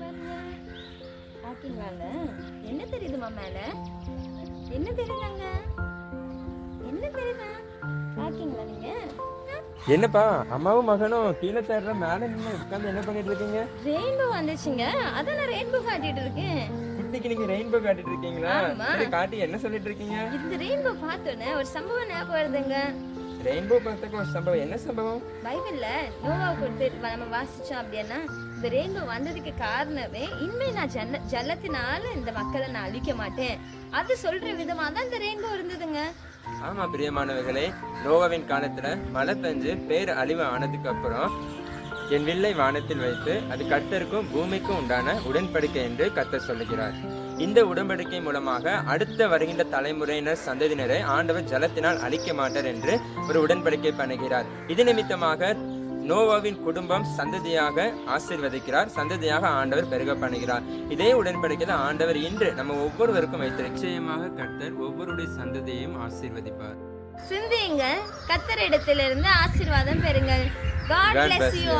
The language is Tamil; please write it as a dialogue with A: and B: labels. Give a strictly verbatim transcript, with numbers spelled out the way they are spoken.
A: பாத்தீங்களாங்க? என்ன தெரியுதுமா மேல? என்ன தெரியுதாங்க? என்ன தெரியுதா? பாத்தீங்களா நீங்க?
B: என்னப்பா அம்மாவும் மகனும் கீழே தேடுற மேல நின்று உட்கார்ந்து என்ன பண்ணிட்டு இருக்கீங்க?
A: ரெயின்போ வந்துச்சுங்க. அதான் நான் ரெயின்போ காட்டிட்டு இருக்கேன்.
B: குட்டிக்கு நீங்க ரெயின்போ காட்டிட்டு இருக்கீங்களா?
A: ஆமா.
B: சரி காட்டி என்ன சொல்லிட்டு இருக்கீங்க?
A: இந்த ரெயின்போ பார்த்தோன்னே ஒரு சம்பவம் ஞாபகம் வருதுங்க.
B: ரெயின்போ பார்த்தக்க ஒரு சம்பவம். என்ன சம்பவம்?
A: பைபிள்ல நோவா கொடுத்து நம்ம வாசிச்சோம் அப்படின்னா இந்த ரெயின்போ வந்ததுக்கு காரணமே இனிமே நான் ஜன்ன ஜலத்தினால இந்த மக்களை நான் அழிக்க மாட்டேன் அது சொல்ற விதமா தான் இந்த ரெயின்போ இருந்ததுங்க.
B: ஆமா பிரியமானவர்களே, நோவாவின் காலத்துல மழை பெஞ்சு பேர் அழிவு ஆனதுக்கு அப்புறம் என் வில்லை வானத்தில் வைத்து அது கர்த்தருக்கும் பூமிக்கும் உண்டான உடன்படிக்கை என்று கர்த்தர் சொல்லுகிறார். இந்த உடன்படிக்கை மூலமாக அடுத்த வருகின்ற தலைமுறையினர் சந்ததியினரை ஆண்டவர் ஜலத்தினால் அழிக்க மாட்டார் என்று ஒரு உடன்படிக்கை பண்ணுகிறார். இது நிமித்தமாக நோவாவின் குடும்பம் சந்ததியாக ஆசீர்வதிக்கிறார், சந்ததியாக ஆண்டவர் பெருக பண்ணுகிறார். இதே உடன்படிக்கையில ஆண்டவர் இன்று நம்ம ஒவ்வொருவருக்கும் வைத்த நிச்சயமாக கர்த்தர் ஒவ்வொருடைய சந்ததியையும் ஆசீர்வதிப்பார்.
A: சிந்தியுங்க, கர்த்தரிடத்திலிருந்து ஆசீர்வாதம் பெறுங்கள். God bless you.